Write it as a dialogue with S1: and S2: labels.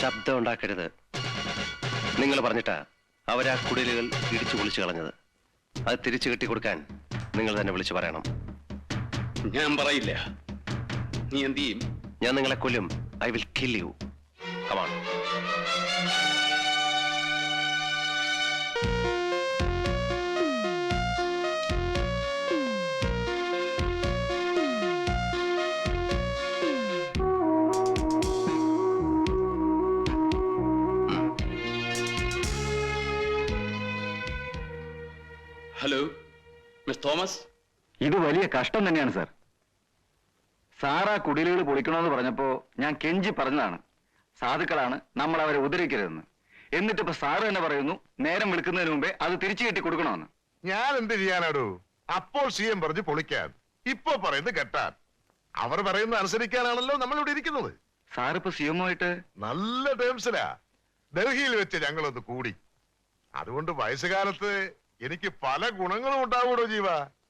S1: ശബ്ദം ഉണ്ടാക്കരുത്. നിങ്ങൾ പറഞ്ഞിട്ടാ അവരാ കുടിലുകൾ ഇടിച്ചു പൊളിച്ചു കളഞ്ഞത്. അത് തിരിച്ചു കെട്ടിക്കൊടുക്കാൻ നിങ്ങൾ തന്നെ വിളിച്ചു പറയണം.
S2: ഞാൻ പറയില്ല. നീ എന്ത് ചെയ്യും?
S1: ഞാൻ നിങ്ങളെ കൊല്ലും. I will kill you. Come on.
S2: Hello miss Thomas.
S3: ഇത് വലിയ കഷ്ടം തന്നെയാണ് സാർ. സാറാ കുടിലുകൾ പൊളിക്കണമെന്ന് പറഞ്ഞപ്പോ ഞാൻ കെഞ്ചി പറഞ്ഞതാണ്, സാധുക്കളാണ്, നമ്മൾ അവരെ ഉദ്ധരിക്കരുതെന്ന്. എന്നിട്ടിപ്പോ സാറ് തന്നെ പറയുന്നു നേരം വിളിക്കുന്നതിന് മുമ്പേ അത് തിരിച്ചു കെട്ടി കൊടുക്കണമെന്ന്.
S4: ഞാൻ എന്ത് ചെയ്യാനാടോ? അപ്പോൾ CM പറഞ്ഞു പൊളിക്കാൻ, ഇപ്പൊ പറയുന്നത് കെട്ടാൻ. അവർ പറയുന്നത് അനുസരിക്കാനാണല്ലോ നമ്മൾ ഇവിടെ ഇരിക്കുന്നത്.
S3: സാറിപ്പോ സിഎമ്മുമായിട്ട്
S4: നല്ല ടേംസിലാ. ഡൽഹിയിൽ വെച്ച് ഞങ്ങളൊന്ന് കൂടി. അതുകൊണ്ട് വയസ്സുകാലത്ത് എനിക്ക് പല ഗുണങ്ങളും ഉണ്ടാവൂടോ ജീവ.